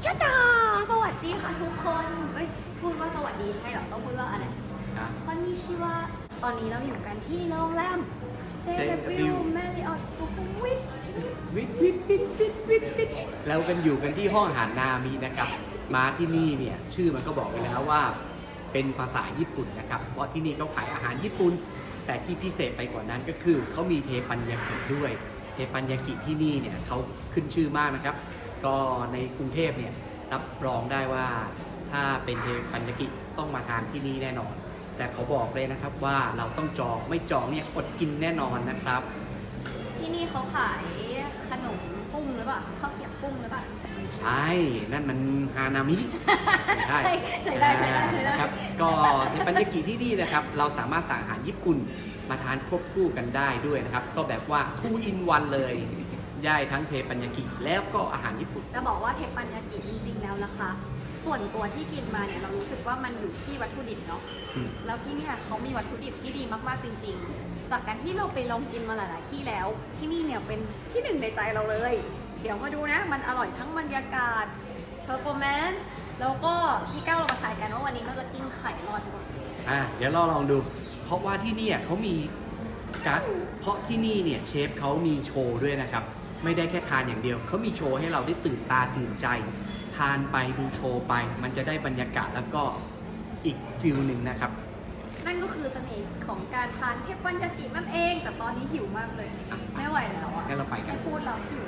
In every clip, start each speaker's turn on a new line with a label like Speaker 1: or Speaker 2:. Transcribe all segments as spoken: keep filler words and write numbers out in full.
Speaker 1: จ้าจ้าสวัสดีค่ะทุกคนเอ้ยพูดว่าสวัสดีใช่หรอต้องพูดว่าอะไรคอนนิชิวะตอนนี้เราอยู่กันที่โรงแรม เจ ดับเบิลยู Marriott สุขุมวิท
Speaker 2: วิทวิทวิทวิทวิทวิทเรากันอยู่กันที่ห้องอาหารนามินะครับมาที่นี่เนี่ยชื่อมันก็บอกไปแล้วว่าเป็นภาษาญี่ปุ่นนะครับเพราะที่นี่เขาขายอาหารญี่ปุ่นแต่ที่พิเศษไปกว่านั้นก็คือเขามีเทปันยากิด้วยเทปันยากิที่นี่เนี่ยเขาขึ้นชื่อมากนะครับก็ในกรุงเทพเนี่ยรับรองได้ว่าถ้าเป็นเทปันยากิต้องมาทานที่นี่แน่นอนแต่เขาบอกเลยนะครับว่าเราต้องจองไม่จองเนี่ยอดกินแน่นอนนะครับ
Speaker 1: ที่นี่เขาขายขนมกุ้งหรือเปล่าข้าวเกรี๊ยวกุ้งหรือเปล่า
Speaker 2: ใช่นั่นมันฮานามิ
Speaker 1: ใช่ใช่ได้ใช่ได้ใช่ได้
Speaker 2: ครับก็ในปัญญากิที่นี่นะครับเราสามารถสั่งอาหารญี่ปุ่นมาทานควบคู่กันได้ด้วยนะครับก็แบบว่า two in one เลยได้ทั้งเทปัญญากิแล้วก็อาหารญี่ปุ่น
Speaker 1: จะบอกว่าเทปัญญากิจริงๆแล้วนะคะส่วนตัวที่กินมาเนี่ยเรารู้สึกว่ามันอยู่ที่วัตถุดิบเนาะแล้วที่เนี่ยเขามีวัตถุดิบที่ดีมากๆจริงๆจากการที่เราไปลองกินมาหลายๆที่แล้วที่นี่เนี่ยเป็นที่หนึ่งในใจเราเลยเดี๋ยวมาดูนะมันอร่อยทั้งบรรยากาศเพอร์ฟอร์แมนซ์แล้วก็ที่ก้าวเรามาถ่ายกันว่าวันนี้เราจะกินไข่รอดก่อน
Speaker 2: อ่ะเดี๋ยวเราลองดูเพราะว่าที่นี่เขามีการเพราะที่นี่เนี่ยเชฟเขามีโชว์ด้วยนะครับไม่ได้แค่ทานอย่างเดียวเขามีโชว์ให้เราได้ตื่นตาตื่นใจทานไปดูโชว์ไปมันจะได้บรรยากาศแล้วก็อีกฟิลหนึ่งนะครับ
Speaker 1: นั่นก็คือเสน่ห์ของการทานเทปปัญญากินั่นเองแต่ตอนนี้หิวมากเลยไม่ไหวแล้วอ่ะ
Speaker 2: งั้นเราไปกัน
Speaker 1: ไม่พูดแล้วหิว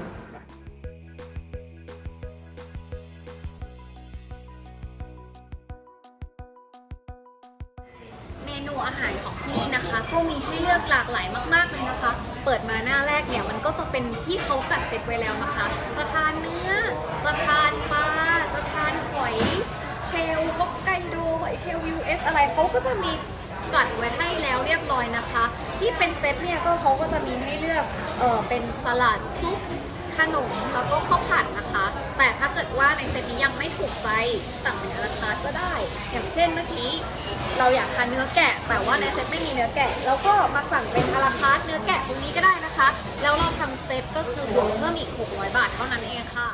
Speaker 1: เมนูอาหารของที่นี่นะคะก็มีให้เลือกหลากหลายมากๆเลยนะคะเปิดมาหน้าแรกเนี่ยมันก็จะเป็นที่เขาจัดเซตไว้แล้วนะคะจะทานเนื้อจะทานปลาจะทานหอยเชลล์ฮอกไกโดหอยเชลล์ ยู เอส อะไรเขาก็จะมีจัดไว้ให้แล้วเรียบร้อยนะคะที่เป็นเซตเนี่ยก็เขาก็จะมีให้เลือกเออเป็นสลัดซุปขนมแล้วก็ข้าวผัดนะคะแต่ถ้าเกิดว่าในเซตนี้ยังไม่ถูกใจสั่งเป็นอลาคาร์ทก็ได้อย่างเช่นเมื่อกี้เราอยากทานเนื้อแกะแต่ว่าในเซตไม่มีเนื้อแกะเราก็มาสั่งเป็นอลาคาร์ทเนื้อแกะตรงนี้ก็ได้นะคะแล้วเราทำเซตก็คือบวกเพิ่มอีกหกร้อยบาทเท่านั้นเองค่ะ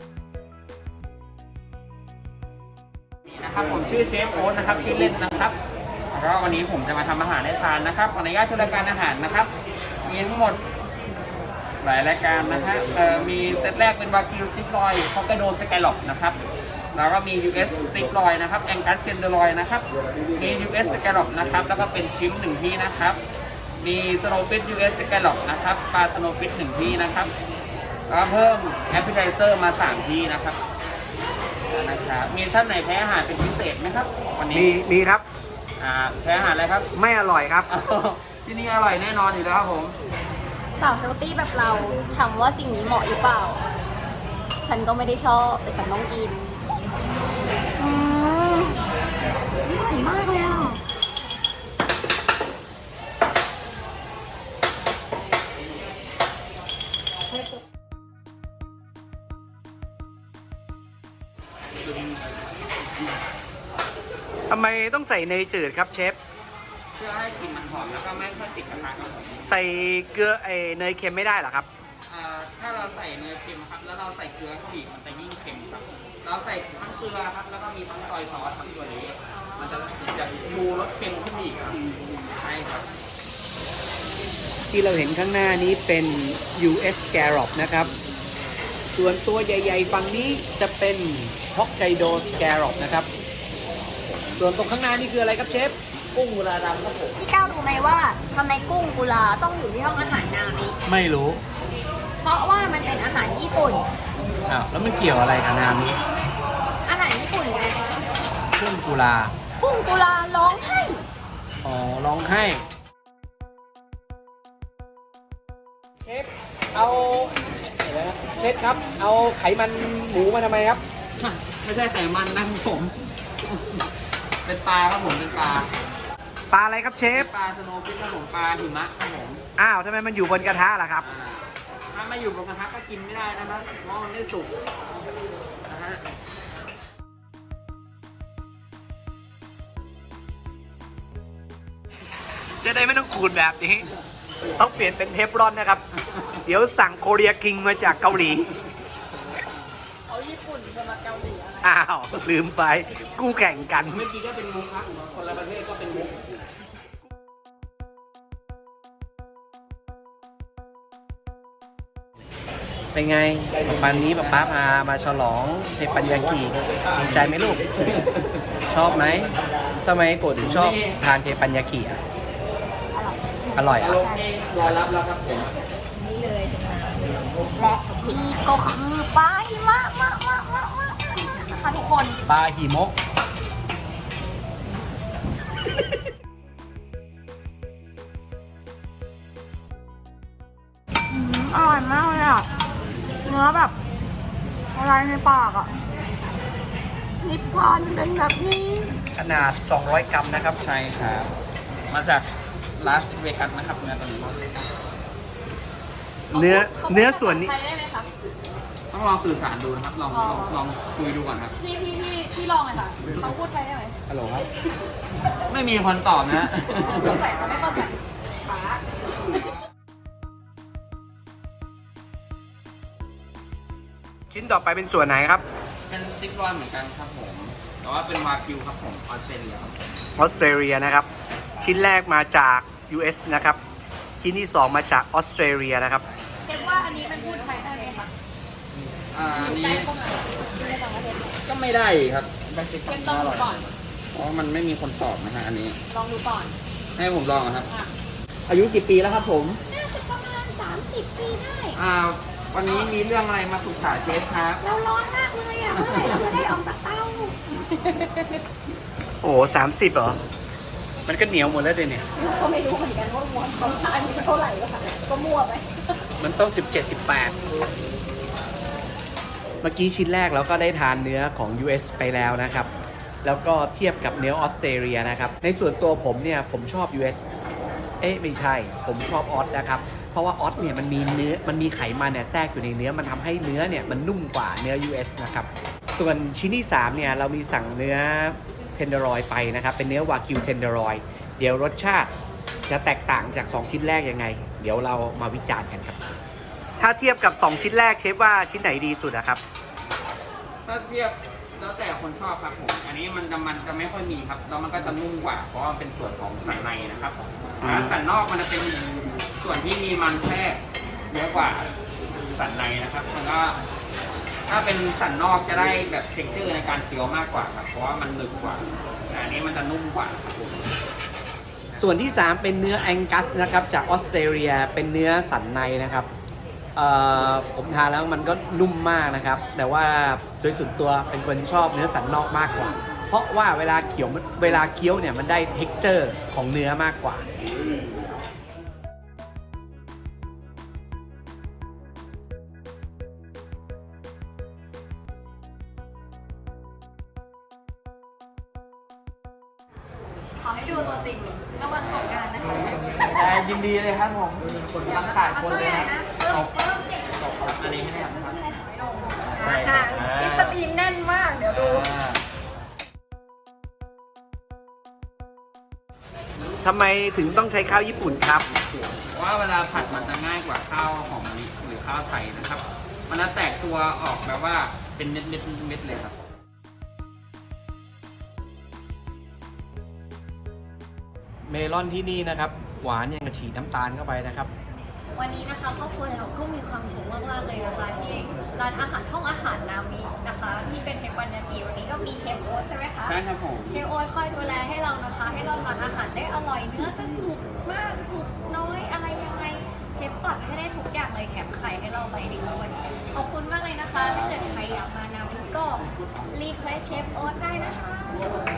Speaker 3: นะครับผมชื่อเชฟโอ๊ตนะครับชื่อเล่นนะครับแล้วก็วันนี้ผมจะมาทำอาหารให้ทานนะครับขออนุญาตช่วยรายการอาหารนะครับมีทั้งหมดหลายรายการนะฮะเอ่อมีเซตแรกเป็นวากิวสติ๊กลอยฮอกไกโดสกายล็อกนะครับแล้วก็มี ยู เอส สติ๊กลอยนะครับแองกัสเซนเดอร์ลอยนะครับมี ยู เอส สกายล็อกนะครับแล้วก็เป็นชิมหนึ่งที่นะครับมีสโนว์ฟิช ยู เอส สกายล็อกนะครับปลาสโนว์ฟิชหนึ่งที่นะครับแล้วเพิ่มแอปเปิลไทเซอร์มาสามที่นะครับนะครับมีท่านไหนแพ้อาหารเป็นพิเศษไหมครับวันนี้
Speaker 2: มีมีครับ
Speaker 3: อ่าแพ้อาหารอะไรครับ
Speaker 2: ไม่อร่อยครับ
Speaker 3: ที่นี่อร่อยแน่นอนอยู่แล้วครับผม
Speaker 1: สาวเฮลตี้แบบเราถามว่าสิ่งนี้เหมาะหรือเปล่าฉันก็ไม่ได้ชอบแต่ฉันต้องกินอืมอร่อยมากเลยอ่ะ
Speaker 2: ทำไมต้องใส่เนยจืดครับเชฟ
Speaker 3: เพื่อให้กลิ่นมันหอมแล้วก็ไม่ค่อยติดกระทะครับผม
Speaker 2: ใส่เกลือไอเนยเค็มไม่ได้หรอครับ
Speaker 3: ถ้าเราใส่เนยเค็มครับแล้วเราใส่เกลือเข้าอีกมันจะยิ่งเค็มครับเราใส่ทั้งเกลือครับแล้วก็มีทั้งซอยซอสทั้งตัวนี้มันจะจะชูรสเค็มขึ้นอีกครับใช่ครับ
Speaker 2: ที่เราเห็นข้างหน้านี้เป็น ยู เอส Scallop นะครับส่วนตัวใหญ่ๆฝั่งนี้จะเป็น Hokkaido Scallop นะครับส่วนตรงข้างหน้านี่คืออะไรครับเชฟกุ้งกุลาดำครับผม
Speaker 1: พี่ก้าวรู้ไหมว่าทำไมกุ้งกุลาต้องอยู่ที่ห้องอาหารนามิ
Speaker 2: ไม่รู้
Speaker 1: เพราะว่ามันเป็นอาหารญี่ปุ่น
Speaker 2: อ้าวแล้วมันเกี่ยวอะไรกับนามิ
Speaker 1: อาหารญี่ปุ่นไง
Speaker 2: กุ้งกุลา
Speaker 1: กุ้งกุลาร้องไห้
Speaker 2: อ๋อร้องไห้เชฟเอาเชฟครับเอาไขมันหมูมาทำไมครับ
Speaker 3: ไม่ใช่ไขมันนะครับผมเป็นปลาครับผมเป็นปลา
Speaker 2: ปลาอะไรครับเชฟ
Speaker 3: ปลาสโนว์ฟิชครับผมปลาหิมะครับผม
Speaker 2: อ้าวทำไมมันอยู่บนกระทะล่ะครับ
Speaker 3: ถ้าไม่อยู่บนกระทะก็กินไม่ได้นะครับเพราะมันไม่สุกนะฮะ
Speaker 2: จะได้ไม่ต้องขูดแบบนี้ต้องเปลี่ยนเป็นเทฟลอนนะครับเดี๋ยวสั่งโคเรียคิงมาจากเกาหลี
Speaker 1: เอาญี่ปุ่นจะมาเกาหลีอะไร
Speaker 2: อ้าวลืมไปกู้แข่งกัน
Speaker 3: เมื่อกี้ก็เป็นมุกครับคนละประเทศก็เป็นมุก
Speaker 2: เป็นไงวันนี้ป๊าป๊าพามาฉลองเทปัญญากิดีใจไหมลูก ชอบไหมทำไมโกรธถึงชอบทานเทปัญญากิอ่ะอร่อยอ่ะ
Speaker 3: โอเครอรับแล้วครับผม
Speaker 1: นี่เลยและนี่ก็คือปลาหิมะมะมะมะมะนะคะทุกคน
Speaker 2: ปลาหิมก
Speaker 1: อืมอร่อยมากเลยอ่ะ เนื้อแบบอะไรในปากอ่ะนิพพานเป็นแบบนี้
Speaker 2: ขนาด สองร้อย กรัมนะครับ
Speaker 3: ใช่ครับ มาจากลาสเวกัสนะครับเนื้อตัวนี้
Speaker 2: เนื้อเนื้อส่วนนี้
Speaker 1: ไทยได้ไหมคะ
Speaker 3: ต้องลองสื่อสารดูนะครับ ลอง
Speaker 1: อ๋อ
Speaker 3: ลองลองคุยดูก่อนครับ
Speaker 1: พี่พี่พี่พี่ลองเลยค่ะเขาพูดไทยได้ไหม
Speaker 3: ฮัลโหลครับ ไม่มีคนตอบนะ
Speaker 1: สงสัยเขาไม่เข้าใจปา
Speaker 2: ชิ้นต่อไปเป็นส่วนไหนครับ
Speaker 3: เป็นซิกรอนเหมือนกันครับผม แต่ว่าเป็นวากิวครับผมออสเตรเลียครับผม
Speaker 2: ออสเตรเลียนะครับ ชิ้นแรกมาจาก ยู เอส นะครับ ชิ้นที่สองมาจากออสเตรเลียนะครับ
Speaker 1: เรียกว่าอันนี้มันพูดไทยได้ไหมคะ
Speaker 3: อ่าอันนี้
Speaker 1: ได้เข้ามาอยู่ในต่างประเทศ
Speaker 3: ก็ไม่ได้ครับได้ซิกร
Speaker 1: เรี
Speaker 3: อย น
Speaker 1: นต้องดูก่อน
Speaker 3: เพราะมันไม่มีคนตอบนะฮะอันนี้
Speaker 1: ลองดูก่อน
Speaker 3: ให้ผมลองอะครับ
Speaker 1: อ่ะ
Speaker 3: อายุกี่ปีแล้วครับผม
Speaker 1: น่าจะประมาณสามสิบปีได้
Speaker 3: อ่า วันนี้มีเรื่องอะไรมาปรึกษาเชฟครับ
Speaker 1: เราร้อนมากเลยอ่ะ เมื่อไหร่เราจะได้ออกจากเตา
Speaker 2: โอ้โหสามสิบเหรอ มันก็เหนียวหมดแล้วเดี๋ยวเนี่ย
Speaker 1: ก็ไม่รู้เหมือนกันว่าม้วนของอันนี้เท่าไหร่ก็ค่ะก็มั่วไป
Speaker 2: มันต้อง สิบเจ็ด สิบแปด เมื่อกี้ชิ้นแรกเราก็ได้ทานเนื้อของ ยู เอส ไปแล้วนะครับ แล้วก็เทียบกับเนื้อออสเตรเลียนะครับ ในส่วนตัวผมเนี่ยผมชอบ ยู เอส เอ๊ะไม่ใช่ ผมชอบออสนะครับ เพราะว่าออสเนี่ยมันมีเนื้อ มันมีไขมันเนี่ยแทรกอยู่ในเนื้อ มันทำให้เนื้อเนี่ยมันนุ่มกว่าเนื้อ ยู เอส นะครับ ส่วนชิ้นที่สามเนี่ยเรามีสั่งเนื้อเทนเดอร์รอยไปนะครับ เป็นเนื้อวากิวเทนเดอร์รอย เดี๋ยวรสชาติจะแตกต่างจากสองชิ้นแรกยังไง เดี๋ยวเรามาวิจารณ์กันครับ ถ้าเทียบกับสองชิ้นแรกเชฟว่าชิ้นไหนดีสุดอะครับ
Speaker 3: ถ้าเทียบแล้วแต่คนชอบครับผม อันนี้มันจะมันจะไม่ค่อยมีครับ แล้วมันก็จะนุ่มกว่า เพราะว่ามันเป็นส่วนของสันในนะครับ
Speaker 2: อืม
Speaker 3: แล้วสันนอกมันจะเป็นส่วนที่มีมันแทรกเยอะกว่าสันในนะครับมันก็ถ้าเป็นสันนอกจะได้แบบเท็กเจอร์ในการเคี้ยวมากกว่าครับ เพราะว่ามันหนึบกว่าแต่อันนี้มันจะนุ่มกว่าครับผม
Speaker 2: ส่วนที่สามเป็นเนื้อแองกัสนะครับจากออสเตรเลียเป็นเนื้อสันในนะครับเอ่อผมทานแล้วมันก็นุ่มมากนะครับ แต่ว่าโดยส่วนตัวเป็นคนชอบเนื้อสันนอกมากกว่า เพราะว่าเวลาเคี้ยวเวลาเคี้ยวเนี่ยมันได้เท็กเจอร์ของเนื้อมากกว่า
Speaker 1: ขอให้ดูตัวจริงระหว่างสงกรานต์นะคะ
Speaker 3: ได้ยินดีเลยครับผมคนกำลังขาดคนเลยนะ
Speaker 1: เพิ่มเพิ่มเจ็ด
Speaker 3: ตบอันนี้ให้ได้ครับ
Speaker 1: อ่าค่ะอิสตีนแน่นมาก เดี๋ยวดู
Speaker 2: ทำไมถึงต้องใช้ข้าวญี่ปุ่นครับ
Speaker 3: เพราะว่าเวลาผัดมันจะง่ายกว่าข้าวหอมมะลิหรือข้าวไทยนะครับ มันจะแตกตัวออกแบบว่าเป็นเม็ดเม็ดเม็ดเลยครับ
Speaker 2: เมลอนที่นี่นะครับ หวานอย่างกับฉีดน้ำตาลเข้าไปนะครับ
Speaker 1: วันนี้นะคะครอบครัวเราก็มีความสุขมากๆเลยนะคะที่ร้านอาหารห้องอาหารนามินะคะ ที่เป็นเทปวันยากิวันนี้ก็มีเชฟโอ๊ตใช่ไหมคะ
Speaker 3: ใช่ครับผม
Speaker 1: เชฟโอ๊ตคอยดูแลให้เรานะคะ ให้เราทานอาหารได้อร่อยเนื้อจะสุกมากสุกน้อยอะไรยังไงเชฟตัดให้ได้ทุกอย่างเลยแถมไข่ให้เราไปอีกด้วยขอบคุณมากเลยนะคะ ถ้าเกิดใครอยากมานามิก็รีเควสเชฟโอ๊ตได้นะคะ